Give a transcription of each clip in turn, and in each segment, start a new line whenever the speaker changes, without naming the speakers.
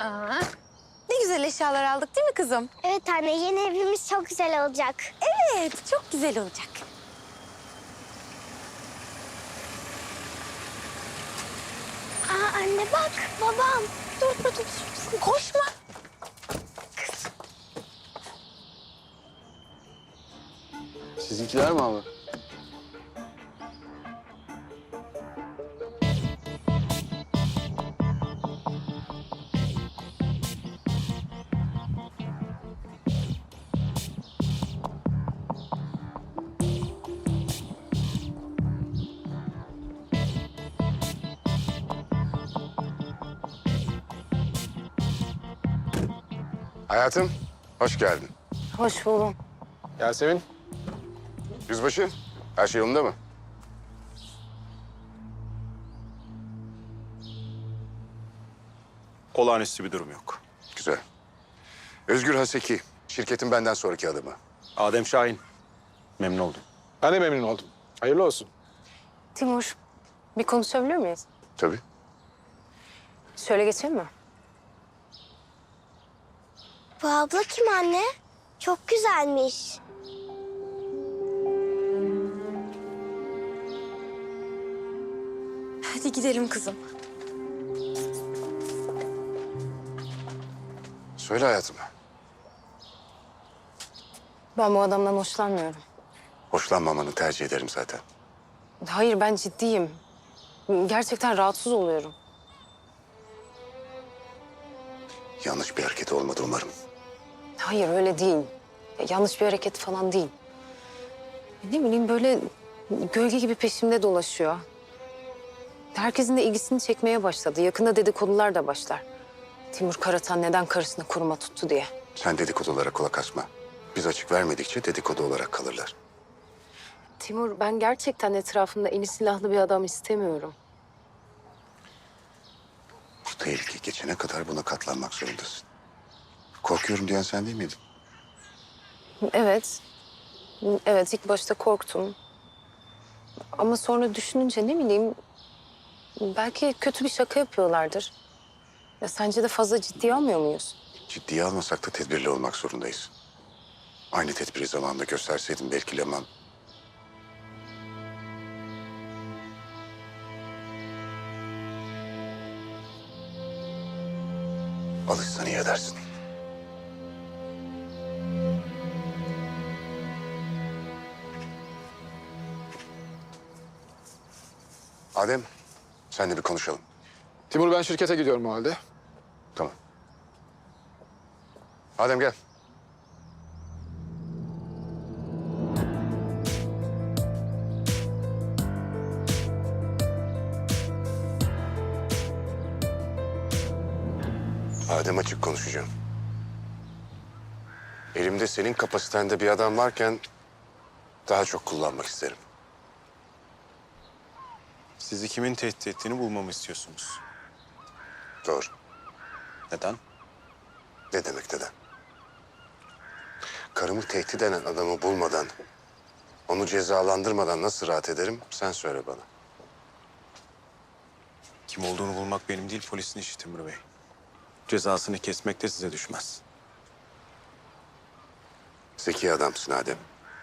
Aa, ne güzel eşyalar aldık değil mi kızım?
Evet anne, yeni evimiz çok güzel olacak.
Evet, çok güzel olacak.
Aa anne bak, babam.
Dur. Koşma.
Sizinkiler mi abi?
Hayatım, hoş geldin.
Hoş buldum.
Yasemin.
Yüzbaşı, her şey yolunda mı?
Olağanüstü bir durum yok.
Güzel. Özgür Haseki, şirketin benden sonraki adamı.
Adem Şahin. Memnun oldum.
Ben de memnun oldum. Hayırlı olsun.
Timur, bir konuşabilir miyiz?
Tabii.
Şöyle geçelim mi?
Bu abla kim anne? Çok güzelmiş.
Hadi gidelim kızım.
Söyle hayatım.
Ben bu adamdan hoşlanmıyorum.
Hoşlanmamanı tercih ederim zaten.
Hayır, ben ciddiyim. Gerçekten rahatsız oluyorum.
Yanlış bir hareket olmadı umarım.
Hayır, öyle değil. Yanlış bir hareket falan değil. Ne bileyim, böyle gölge gibi peşimde dolaşıyor. Herkesin de ilgisini çekmeye başladı. Yakında dedikodular da başlar. Timur Karatan neden karısını koruma tuttu diye.
Sen dedikodulara kulak asma. Biz açık vermedikçe dedikodu olarak kalırlar.
Timur, ben gerçekten etrafımda eli silahlı bir adam istemiyorum.
Bu tehlike geçene kadar buna katlanmak zorundasın. Korkuyorum diyen sen değil miydin?
Evet. Evet, ilk başta korktum. Ama sonra düşününce ne bileyim... Belki kötü bir şaka yapıyorlardır. Ya sence de fazla ciddiye almıyor muyuz?
Ciddiye almasak da tedbirli olmak zorundayız. Aynı tedbiri zamanında gösterseydim belki Leman... Alışsan iyi edersin. Adem, senle bir konuşalım.
Timur, ben şirkete gidiyorum o halde.
Tamam. Adem gel. Adem, açık konuşacağım. Elimde senin kapasitende bir adam varken daha çok kullanmak isterim.
Sizi kimin tehdit ettiğini bulmamı istiyorsunuz.
Doğru.
Neden?
Ne demek neden? Karımı tehdit eden adamı bulmadan, onu cezalandırmadan nasıl rahat ederim sen söyle bana.
Kim olduğunu bulmak benim değil, polisin işi Timur Bey. Cezasını kesmek de size düşmez.
Zeki adamsın Adem.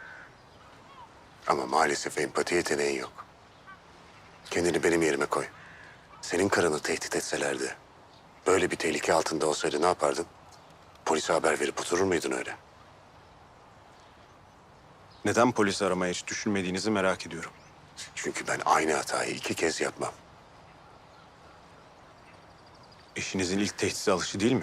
Ama maalesef empati yeteneğin yok. Kendini benim yerime koy. Senin karını tehdit etselerdi, böyle bir tehlike altında olsaydı ne yapardın? Polise haber verip oturur muydun öyle?
Neden polisi aramaya hiç düşünmediğinizi merak ediyorum.
Çünkü ben aynı hatayı 2 kez yapmam.
Eşinizin ilk tehdide alışı değil mi?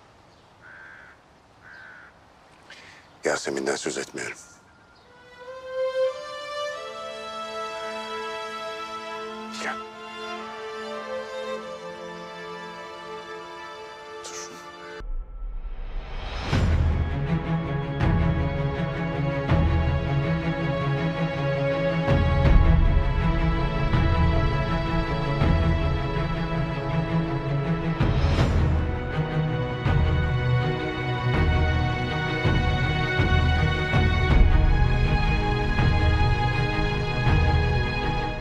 Yasemin'den söz etmiyorum. Gel.